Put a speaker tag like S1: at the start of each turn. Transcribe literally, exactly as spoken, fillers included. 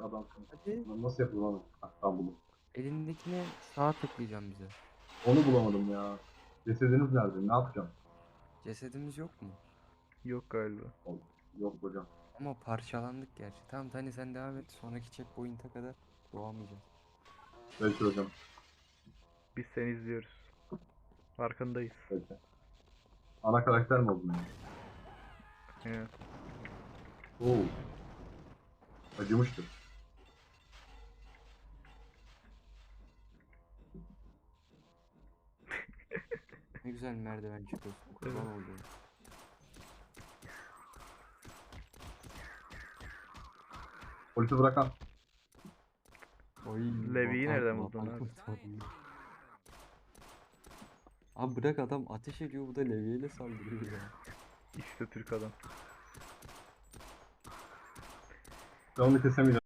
S1: adamsın.
S2: Hadi.
S1: Lan nasıl yapılır onu? Hatta bunu.
S2: Elindekine sağa tıklayacağım bize.
S1: Onu bulamadım ya. Cesediniz nerede? Ne yapacağım?
S2: Cesedimiz yok mu?
S3: Yok galiba.
S1: Oğlum, yok hocam.
S2: Ama parçalandık gerçi. Tamam Tani sen devam et. Sonraki checkpoint'e kadar doğamayacağız.
S1: Peki hocam.
S3: Biz seni izliyoruz. Farkındayız.
S1: Peki. Ana karakter mi oldun yani?
S3: Evet.
S1: Oo. Acımıştır.
S2: Ne güzel merdiven çıkıyorsun. Kurban
S3: Evet.
S2: olduğum.
S1: Polisi bırakan.
S2: Oy,
S3: Levi'yi
S2: vatan-
S3: nereden buldun
S2: vatan
S3: abi?
S2: kurtarıyor. Abi bırak adam ateş ediyor, bu da levyeyle saldırıyor ya.
S3: İşte Türk adam.
S1: Ben onu kesemeyeceğim.